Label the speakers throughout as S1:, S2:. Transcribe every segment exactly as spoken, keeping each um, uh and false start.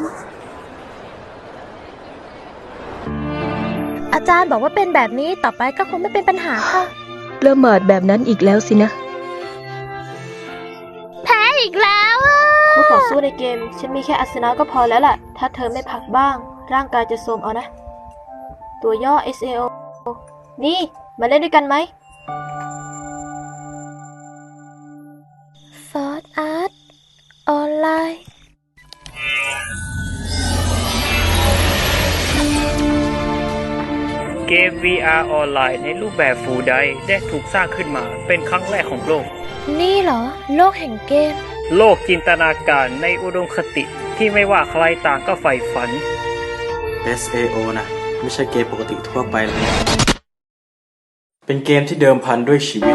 S1: อาจารย์บอกว่าเป็นแบบนี้ต่อไปก็คงไม่เป็นปัญหาค่ะ
S2: ละหมาดแบบนั้นอีกแล้วสินะ
S1: แพ้อีกแล้วอ่ะ
S3: คู่ต่อสู้ในเกมฉันมีแค่อาสนะก็พอแล้วล่ะถ้าเธอไม่พักบ้างร่างกายจะโทรมเอานะตัวย่อ เอส เอ โอ นี่มาเล่นด้วยกันไหม
S1: ฟอร์ดอาร์ตออนไลน์
S4: เกม วี อาร์ ออนไลน์ในรูปแบบ Full Dive ได้ถูกสร้างขึ้นมาเป็นครั้งแรกของโลก
S1: นี่เหรอโลกแห่งเกม
S4: โลกจินตนาการในอุดมคติที่ไม่ว่าใครต่างก็ใฝ่ฝัน
S5: เอส เอ โอ นะไม่ใช่เกมปกติทั่วไปเลยเป็นเกมที่เดิมพันด้วยชีวิต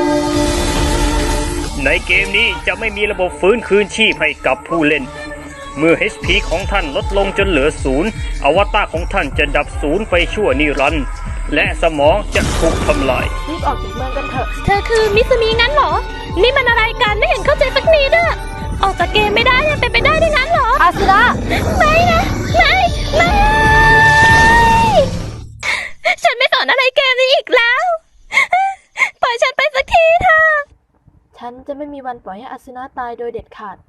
S4: ในเกมนี้จะไม่มีระบบฟื้นคืนชีพให้กับผู้เล่นเมื่อ เอช พี ของท่านลดลงจนเหลือศูนย์อวตารของท่านจะดับศูนย์ไปชั่วนิรันดร์และสมองจะถูกทำลาย
S3: รีบออกจากเมืองกันเถอะ
S1: เธอคือมิสมีงั้นเหรอนี่มันอะไรกันไม่เห็นเข้าใจสักนิดอะออกจากเกมไม่ได้ยังเป็นไปได้ด้วยงั้นเหรอ
S3: อาสนะ
S1: ไม่นะไม่ไม่ฉันไม่สอนอะไรเกมนี้อีกแล้วปล่อยฉันไปสักทีเถอะ
S3: ฉันจะไม่มีวันปล่อยให้อาสนะตายโดยเด็ดขาด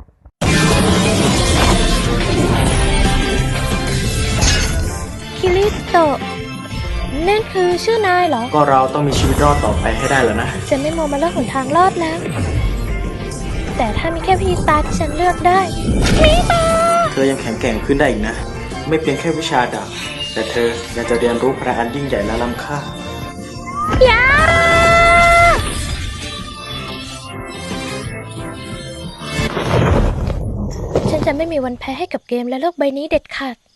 S1: คิริโตะนั่นคือชื่อนายเหรอ
S5: ก็เราต้องมีชีวิตรอดต่อไปให้ได้แล้วนะ
S1: ฉันไม่มองมาเลือกหนทางรอดแล้วแต่ถ้ามีแค่พี่ตาที่ฉันเลือกได้มีตา
S5: เธอยังแข็งแกร่งขึ้นได้อีกนะไม่เพียงแค่วิชาดาบแต่เธอยังจะเรียนรู้พลังอันยิ่งใหญ่และล้ำค่ายา
S1: ฉันจะไม่มีวันแพ้ให้กับเกมและโลกใบนี้เด็ดขาด